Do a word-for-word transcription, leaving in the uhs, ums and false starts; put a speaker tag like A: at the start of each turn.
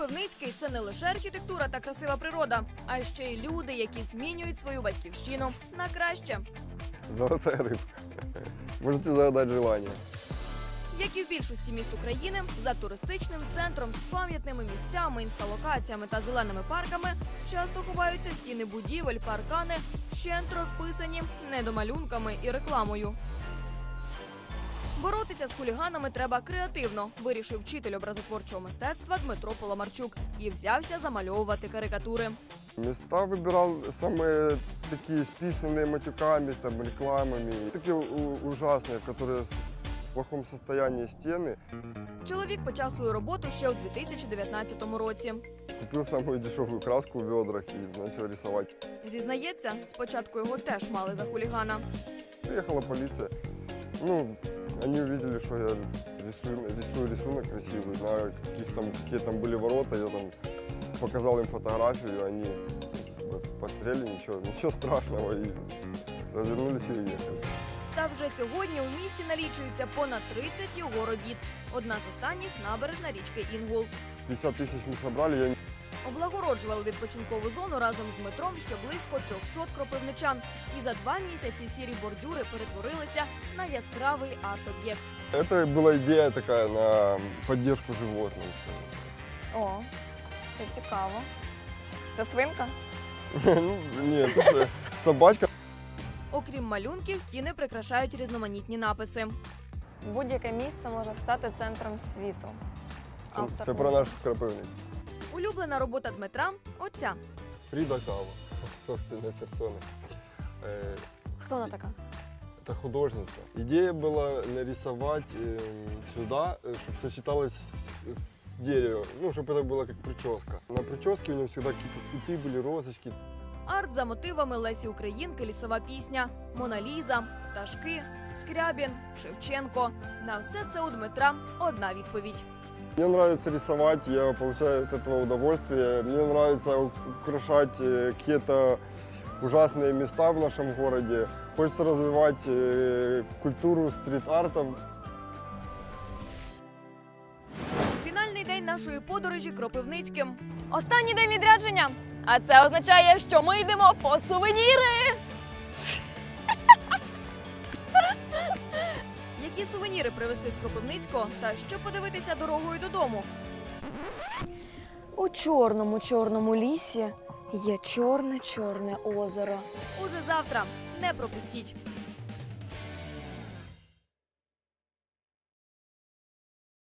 A: Кропивницький – це не лише архітектура та красива природа, а ще й люди, які змінюють свою батьківщину на краще.
B: Золотая рыбка. Можете загадать желание.
A: Як і в більшості міст України, за туристичним центром з пам'ятними місцями, інсталокаціями та зеленими парками часто ховаються стіни будівель, паркани, вщент розписані недомалюнками і рекламою. Боротися з хуліганами треба креативно, вирішив вчитель образотворчого мистецтва Дмитро Поломарчук і взявся замальовувати карикатури.
B: Места выбирал самые такие списанные матюками, там, рекламами. Такие у- ужасные, которые в плохом состоянии стены.
A: Чоловік почав свою роботу ще у дві тисячі дев'ятнадцятому році.
B: Купил самую дешевую краску в ведрах и начал рисовать.
A: Зізнається, спочатку його теж мали за хулігана.
B: Приехала полиция. Ну, они увидели, что я рисую, рисую рисунок красивый, знаю, каких там, какие там были ворота. Я там показал им фотографию, они как бы посмотрели, ничего, ничего страшного, и развернулись и уехали.
A: Та вже сьогодні у місті налічується понад тридцять його робіт. Одна з останніх – набережна річки Інгул.
B: пятьдесят тысяч мы собрали, я
A: Облагороджували відпочинкову зону разом з Дмитром ще близько трьохсот кропивничан. І за два місяці сірі бордюри перетворилися на яскравий арт-об'єкт.
B: Это была идея такая на поддержку животных.
C: О, це цікаво. Це свинка?
B: Ну, нет, это собачка.
A: Окрім малюнків, стіни прикрашають різноманітні написи.
C: Будь-яке місце може стати центром світу.
B: Це,
C: Автор
B: це про наш Кропивницький.
A: Улюблена робота Дмитра – оця.
B: Фрида Кава, собственной персоной. Э,
C: Хто вона така?
B: Это художница. Идея была нарисовать э, сюда, чтобы сочеталось с, с деревом, ну, чтобы это было как прическа. На прическе у него всегда какие-то цветы были, розочки.
A: Арт за мотивами Лесі Українки, лісова пісня, Мона Ліза, пташки, Скрябін, Шевченко. На все це у Дмитра одна відповідь.
B: Мне нравится рисовать, я получаю от этого удовольствие. Мне нравится украшать э, какие-то ужасные места в нашем городе. Хочется развивать э, культуру стрит-арта.
A: Фінальний день нашої подорожі Кропивницьким. Останній день відрядження. А це означає, що ми йдемо по сувеніри. Які сувеніри привезти з Кропивницького та що подивитися дорогою додому?
C: У чорному-чорному лісі є чорне-чорне озеро.
A: Уже завтра. Не пропустіть.